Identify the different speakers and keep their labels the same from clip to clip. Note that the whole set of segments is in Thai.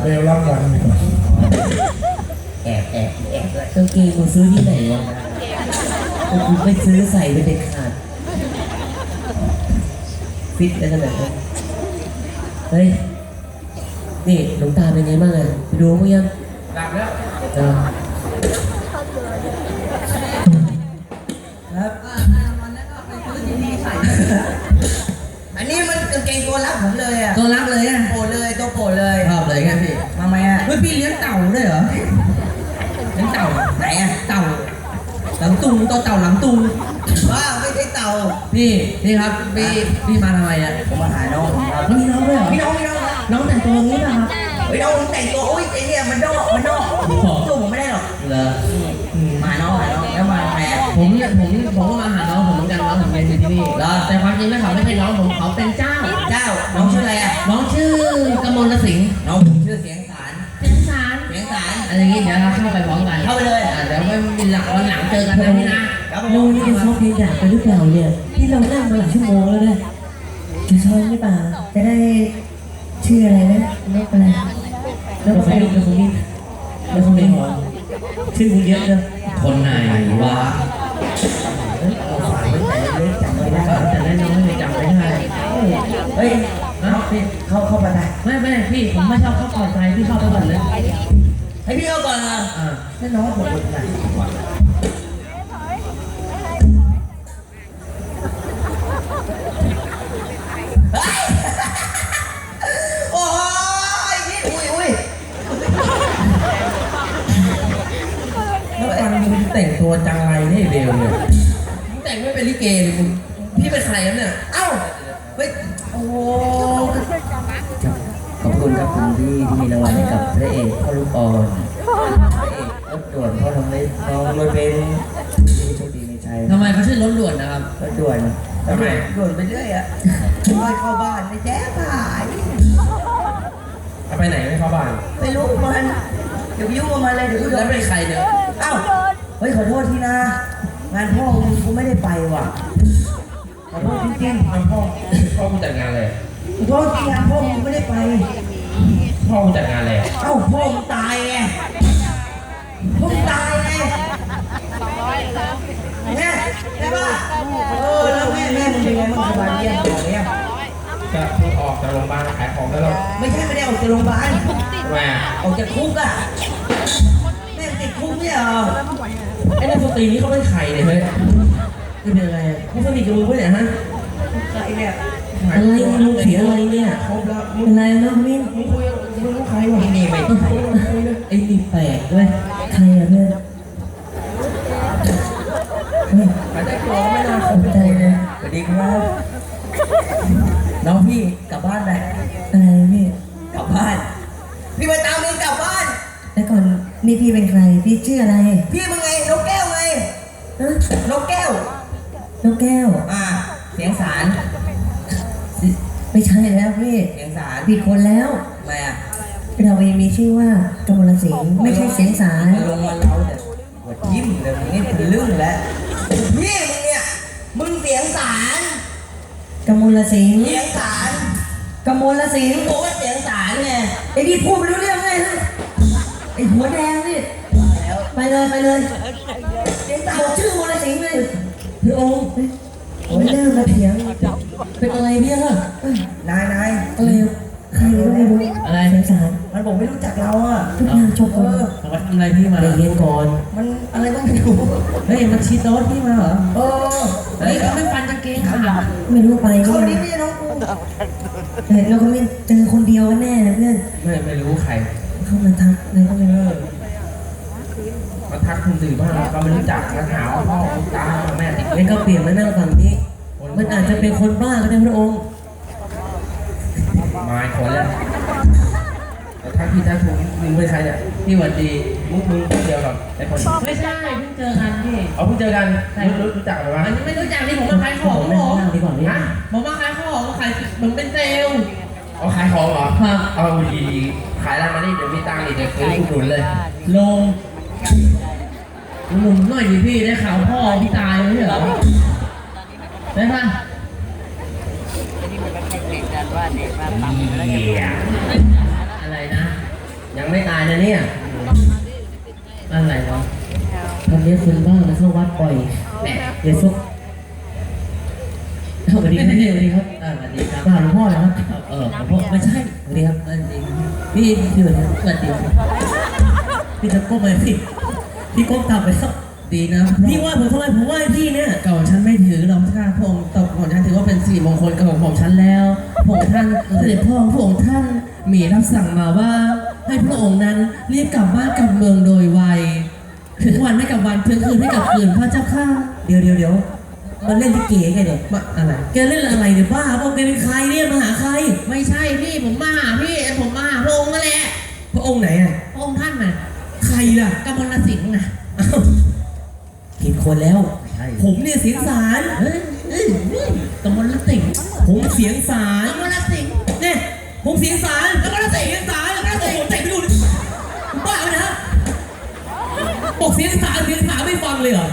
Speaker 1: บลรับวันดีกว่า
Speaker 2: แอบด้วยกางเกงกูซื้อที่ไหนวะกูไม่ซื้อใส่ไปเด็ดขาดฟิตได้ขนาดนั้นเฮ้ยนี่หลวงตาเป็นไงบ้างอ่ะไปดูมั้งยัง
Speaker 1: หลับแล้ว
Speaker 2: ครับอันนี้มันกางเกงตัวรักผมเลยอ่ะตัวรักเลยอ่ะโปรดเลยตัวโปรดเลยชอบเลยไงพี่ทำไมอ่ะเฮ้ยพี่เลี้ยงเต่าด้วยเหรอเลี้ยงเต่าไหนอ่ะเต่าหลังตุงตัวเต่าหลังตุงว้าไม่ใช่เต่าพี่ครับพี่มาทำไมอ่ะผมมาหาน้องครับมีน้องด้วยเหรอมีน้องน้องแต่งตัวงี้ป่ะครับเฮ้ยน้องแต่งตัวอุ้ยไอ้เนี่ยมันดอกสู้ผมไม่ได้หรอกเหรอมาน้องแล้วมาแม่ผมก็มาหาน้องผมเหมือนกันน้องผมเรียนอยู่ที่นี่แล้วแต่ความจริงแล้วเขาไม่ใช่น้องผมเขาเป็นเจ้าน้องชื่ออะไรอ่ะน้องชื่อกมลสิงห์น้องผมชื่อเสียงสารอะไรอย่างงี้เดี๋ยวเราเข้าไปพร้อมกันเข้าไปเลยเดี๋ยวไม่มีหลักวันหลังเจอกันนะพี่นะน้องนี่จะชอบเพลงด่าไปหรือเปล่าเนี่ยที่เรานั่งมาหลายชั่วโมงแล้วเนี่ยจะชอบหรือเปล่าจะได้ชื่ออะไรนะนกอะไรนกอะไรนกคนนี้นกคนนี้ชื่อมึงเยอะเลยคนไหนวะเอาฝากไว้แต่เล็กจำไม่ได้แต่เล็กน้อยจำไม่ได้เฮ้ยพี่เข้าไปได้ไม่พี่ผมไม่ชอบเข้าก่อนใจพี่เข้าไปก่อนเลยให้พี่เข้าก่อนนะให้น้องผมก่อนนะโอ้ยนี่อุ้ยแล้วมึงแต่งตัวจังไรนี่เบลเนี่ยมึงแต่งไม่เป็นลิเกเลยมึงพี่เป็นใครเนี่ยเอ้าเฮ้ยโอ้ขอบคุณครับคุณที่มีรางวัลให้กับพระเอกพ่อลูกอ่อนพระเอกรถด่วนพ่อทำได้น้องรถเบนซ์โชคดีมีชัยทำไมเขาชื่อรถด่วนนะครับรถด่วนทำไมด่วนไปเรื่อยอ่ะไม่เข้าบ้านไม่แจ้งหาย
Speaker 1: ไปไหนไม่เข้าบ้าน
Speaker 2: ไม่รู้มันเดี๋ยวยุ่งมาเลยเดี๋ยวกูโดนแล้วเป็นใครเนี่ยเอ้าเฮ้ยขอโทษทีนะงานพ่อกูไม่ได้ไปว่ะขอโทษจริงๆ
Speaker 1: พ่อกูจัดงานอะไร
Speaker 2: ขอโทษจริงงานพ่อกูไม่ได้ไป
Speaker 1: พ่อกูจัดงานอะไร
Speaker 2: เอ้าพ่อมึงตายไงพ่อมึงตายไงแม่ใช่ป่ะแล้วแม่มึงเป็นไงมึงสบายดีอย่างเงี้ย
Speaker 1: ก็เพิ่งออกจากโรงพยาบาลขายของแล้วหรอ
Speaker 2: ไม่ได้ออกจากโรงพยาบาล
Speaker 1: ทำไม
Speaker 2: ออกจากคุกอ่ะแม่ติดคุกเนี่ยเหรอ
Speaker 1: ไอ้นักดนตรีนี้เขาเป็นใครเนี่ยเฮ้ย
Speaker 2: นี่เป็นอะไร
Speaker 1: มึงสนิทกับมึงปะเนี่ยฮะ
Speaker 2: ใครเนี่ยอะไรมึงเสียอะไรเนี่ย
Speaker 1: ครบแล้ว
Speaker 2: มึงอะไรนะมิ้น
Speaker 1: มึงคุยมึงรู้ใครวะ
Speaker 2: นี่ไม่ใครไอ้นี่แปลกด้วยใครอะเพื่อน
Speaker 1: มาได้ตัวไม่น่าค
Speaker 2: ข
Speaker 1: บ
Speaker 2: อบใจเลยสวัสดีครับน้องพี่กลับบ้านไปอะไรพี่กลับบ้านพี่มาตามมึงกลับบ้านแล้วก่อนนี่พี่เป็นใครพี่ชื่ออะไรพี่มึงไงนกแก้วไงนกแก้วนกแก้วเสียงสารไม่ใช่แล้วพี่เสียงสารผิดคนแล้วทำไมอ่ะเราเองมีชื่อว่ากมลสิงห์ไม่ใช่เสียงสารลงมาเราเนี่ยหัวยิ้มเลยมึงนี่เป็นเรื่องแล้วพี่มึงเนี่ยมึงเสียงสารกมลสิงห์เสียงสารกมลสิงห์บอกว่าเสียงสารไงไอ้นี่พูดไม่รู้เรื่องไงไอ้หัวแดงนี่ไปเลยเสียงสารชื่อมลสิงห์เลยพี่องค์โอ้ยเริ่มมาเถียงเป็นอะไรเนี่ยนายอะไรใครไม่รู้อะไรเสียงสารมันบอกไม่รู้จักเราอ่ะทุกอย่างจบเลย
Speaker 1: มันทำอะไรพี่มา
Speaker 2: เรียนก่อนมันอะไรก็ไม่รู้
Speaker 1: เฮ้ยมันชีโต๊ดพี่มาเหรอ
Speaker 2: เฮ้ยเขาไม่ฟันกางเกงขาไม่รู้ไปเขานี่ไม่ใช่น้องกูแต่เราก็ไม่เจอคนเดียวแน่นะเพื่อน
Speaker 1: ไม่รู้ใคร
Speaker 2: เขามาทักอะไรก็ไม่รู้
Speaker 1: มาทักคุณสื่อบ้างก็ไม่รู้จักมาถามพ่อตาแม่ติด
Speaker 2: งั้นก็เปลี่ยนมานั่งฝั่งนี้มันอาจจะเป็นคนบ้าก็ได้พระองค์
Speaker 1: มาคนแล้วแต่ถ้าพี่ถ้าถูกมึงเป็นใครเนี่ย
Speaker 2: พี่หวัดดี
Speaker 1: มึงเดียวกับไอ้คน
Speaker 2: ไม่ใช่เพิ่งเจอกันพี่
Speaker 1: เพิ่งเจอกันรู้จักหรือเปล่า
Speaker 2: ไม่รู้จักนี่ผมมาขายของผมผมมาขายของขายผมเป็นเซลล์
Speaker 1: ขายของเหรอเอาดีขายแล้วมานี่เดี๋ยวมีตังค์อีกเดี๋ยวซื้อหนุนเลย
Speaker 2: ลงหนุ่มหน่อยดิพี่ได้ข่าวพ่อพี่ตายไม่ใช่เหรอได้ป่ะอะไรนะ
Speaker 1: เนี่ยอะไรวะทำเนี้ยคุณบ้างนะเข้าวัดบ่อยแหมเดี๋ยวซุกสวัสดีครับสวัสดีครับสวัสดีครับหลวงพ่อนะครับหลวงพ่อไม่ใช่สวัสดีครับสวัสดีพี่พี่สวัสดีครับสวัสดีพี่จะก้มไปพี่ก้มต่ำไปครับดีนะพี่ว่าผมทำไมผมว่าพี่เนี่ยเก่าฉันไม่ถือหรอกค่ะพระองค์ตบของฉันถือว่าเป็นสิริมงคลกับของฉันแล้วพระองค์ท่านเสด็จพ่อพระองค์ท่านมีรับสั่งมาว่าให้พระองค์นั้นรีบกลับบ้านกลับเมืองโดยไวถึงวันให้กับวันถึงคืนให้กับคืนพระเจ้าข้าเดี๋ยวมันเล่นลิเกไงเดี๋ยวมาอะไรแกเล่นอะไรเนี่ยบ้าบอกแกเป็นใครเนี่ยมาหาใครไม่ใช่พี่ผมมาหาพี่ผมมาหาพระองค์นั่นแหละพระองค์ไหนอ่ะพระองค์ท่านน่ะใครล่ะกมลสิงห์น่ะผิดคนแล้วผมเนี่ยเสียงสารกมลสิงห์ผมเสียงสารกมลสิงห์เนี่ยผมเสียงสารกมลสิงห์เสียงสารกมลสิงห์เตะไปดูบ้าเลยนะบอกเสียงสารไม่ฟังเลยเหรอ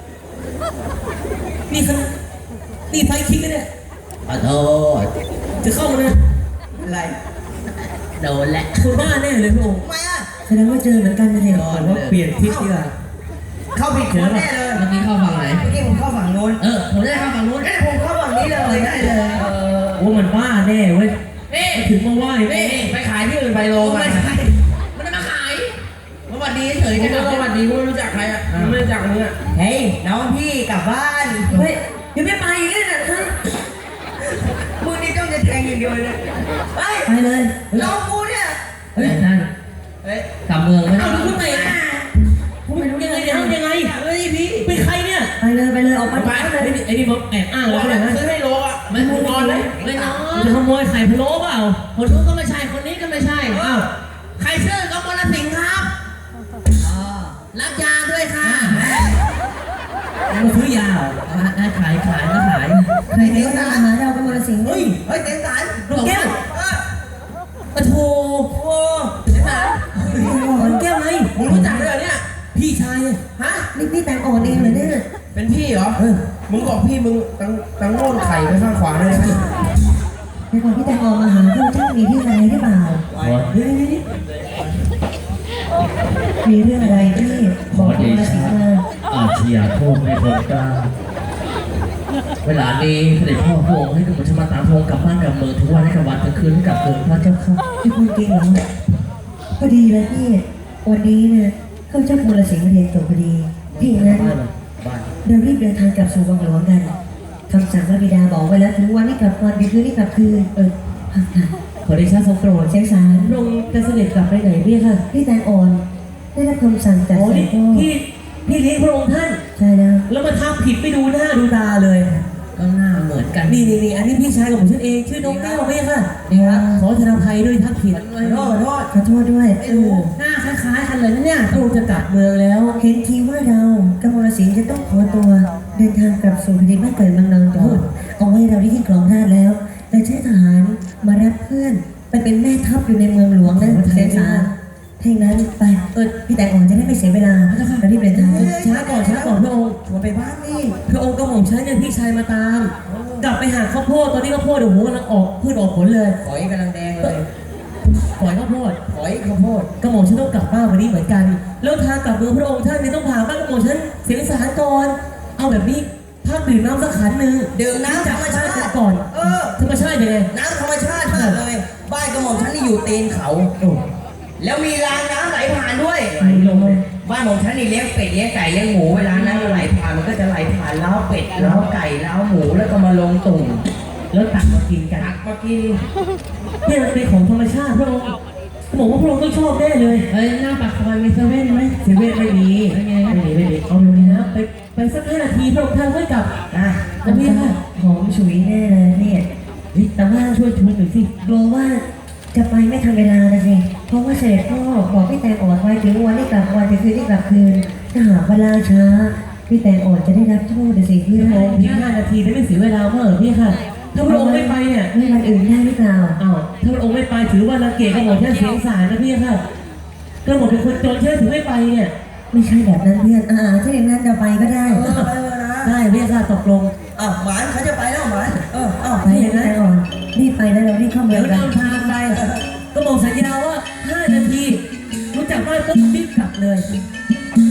Speaker 1: นี่ไฟคิกนะเนี่ยขอโทษจะเข้ามาเลยอะไรโดนแหละคุณบ้าแน่เลยพระองค์ทำไมอ่ะแสดงว่าเจอเหมือนกันนะเนี่ยว่าเปลี่ยนทิศดีกว่าเข้าผิดคนแน่เลยเมื่อกี้เข้าฝั่งไหนเมื่อกี้ผมเข้าฝั่งโน้นผมได้เข้าฝั่งโน้นผมเข้าฝั่งนี้เลยได้เลยว่ามันบ้าแน่เว้ยถึงมาไหว้ไปขายที่อื่นไปโลมามันจะมาขายสวัสดีเฉยๆสวัสดีกูไม่รู้จักใครอ่ะไม่รู้จักมึงอ่ะเฮ้ยน้องพี่กลับบ้านเฮ้ยยังไม่ไปอีกเลยนะมึงนี่ต้องจะแทงอย่างเดียวเลยไปเลยน้องกูเนี่ยเฮ้ยนั่นกลับเมืองไม่ได้เอาดูไหนผมไม่รู้ยังไงเฮ้ยพี่เป็นใครเนี่ยไปเลยออกไปไอ้นี่ผมแอบอ้างแล้วนะซื้อให้โลอ่ะไม่พูดนอนเลยไม่นอนจะขโมยไข่พะโล้เปล่าคนนู้นก็ไม่ใช่คนนี้ก็ไม่ใช่อ้าวใครชื่อกมลสิงห์ครับรับยาด้วยค่ะมาซื้อยาขายใครเต็งสารหาเราเป็นมรสิงห์เฮ้ยเต็งสารลูกแก้วปะโถเต็งสารลูกแก้วไงรู้จักเลยเหรอเนี่ยพี่ชายฮะนี่พี่แต่งอ่อนเองเลยเนี่ยเป็นพี่เหรอมึงบอกพี่มึงตั้งโง่ไข่ไปข้างขวาเลยไหมในก่อนพี่แต่งอ่อนมาหาท่านเจ้ามีที่อะไรหรือเปล่ามีเรื่องอะไรที่บอกมรสิงห์มาอาเชียโทษไม่คนกล้าเวลานี้เสด็จพ่อพระองค์ให้กับผมจะมาตามพระองค์กลับบ้านกลับเมืองทุกวันให้กับวันทุกคืนให้กับเกิดพระเจ้าค่ะพี่พูดจริงเหรอพอดีเลยพี่วันนี้เนี่ยเข้าเจ้ามรสิงห์มาเรียนจบพอดีพี่นั้นเดี๋ยวรีบเดินทางกลับสู่วังหลวงกันคำสั่งพระบิดาบอกไว้แล้วถึงวันนี้กลับวันดีคืนนี้กลับคืนขอได้ชาทรงโปรดเชียงสารลงจะเสด็จกลับไปไหนพี่ค่ะพี่แตงอ่อนได้รับคำสั่งจากเสด็จพ่อพี่เลี้ยงพระองค์ท่านใช่แล้วมาทำผิดไม่ดูหน้าดูตาเลยก็หน้าเหมือนกันนี่อันนี้พี่ชายของผมฉันเองชื่อน้องแก้วพี่ค่ะนี่ครับขอแสดงอภัยด้วยทักผิดขอโทษด้วยหน้าคล้ายๆกันเลยนะเนี่ยพระองค์จะกลับเมืองแล้วเห็นทีว่าเรากมลสิงห์จะต้องขอตัวเดินทางกลับสู่แผ่นดินบ้านเกิดเมืองนอนก่อนเอาไว้เราได้ที่ครองราชแล้วแต่ใช้ทหารมารับเพื่อนไปเป็นแม่ทัพอยู่ในเมืองหลวงนะเสียสารถ้าอย่างนั้นไปพี่แต่งอ่อนจะได้ไม่เสียเวลาเรารีบเดินทางช้าก่อนพระองค์ชวนไปบ้านนี่พระองค์ก็หม่อมฉันเนี่ยพี่ชายมาตามกลับไปหาข้าวโพดตอนนี้ข้าวโพดเดี๋ยวหัวกำลังออกพืชออกผลเลยฝอยกำลังแดงเลยฝอยข้าวโพดก็หม่อมฉันต้องกลับบ้านวันนี้เหมือนกันแล้วทางกลับเมืองพระองค์ท่านเนี่ยต้องพาบ้านกระหม่อมฉันเสียงสารก่อนเอาแบบนี้พักดื่มน้ำสักขันหนึ่งดื่มน้ำธรรมชาติก่อนธรรมชาติยังไงน้ำธรรมชาติเลยบ้านกระหม่อมฉันนี่อยู่ตีนเขาแล้วมีรางน้ำไหลผ่านด้วยบ้านของฉันนี่เลี้ยงเป็ดเลี้ยงไก่เลี้ยงหมูเวลาน้ำไหลผ่านมันก็จะไหลผ่านเล้าเป็ดเล้าไก่เล้าหมูแล้วก็มาลงตุ่มแล้วตักมากินกันนี่มันเป็นของธรรมชาติพระองค์บอกว่าพระองค์ต้องชอบแน่เลยหน้าปากซอยมีเซเว่นไหมเซเว่นไม่มีไม่มีเอาลงนี้นะไปสัก5 นาทีพระองค์ท่านค่อยกลับแล้วพี่ค่ะหอมฉุยแน่เลยเนี่ยแต่ว่าช่วยชวนหน่อยสิกลัวว่าจะไปไม่ทันเวลานะสิเพราะว่าเสด็จพ่อบอกพี่แตงอ่อนไว้ถึงวันที่กลับวันจะคืนที่กลับคืนถ้าหากเวลาช้าพี่แตงอ่อนจะได้รับโทษสิพี่โมงที่5 นาทีได้ไม่เสียเวลาเมื่อพี่ค่ะถ้าพระองค์ไม่ไปเนี่ยไม่วันอื่นได้หรือเปล่าถ้าพระองค์ไม่ไปถือว่าละเกดกระหม่อมแค่เสียงสารนะพี่ค่ะกระหม่อมเป็นคนจนเชื่อถือไม่ไปเนี่ยไม่ใช่แบบนั้นเพื่อนถ้าอย่างนั้นจะไปก็ได้ได้พี่ค่ะตกลงหมานเขาจะไปแล้วหมานไปอย่างนั้นก่อนรีบไปแล้วเรารีบเข้าเมืองกันทางไปก็บอกสัญญาว่า5 นาทีรู้จักบ้านปุ๊บรีบกลับเลย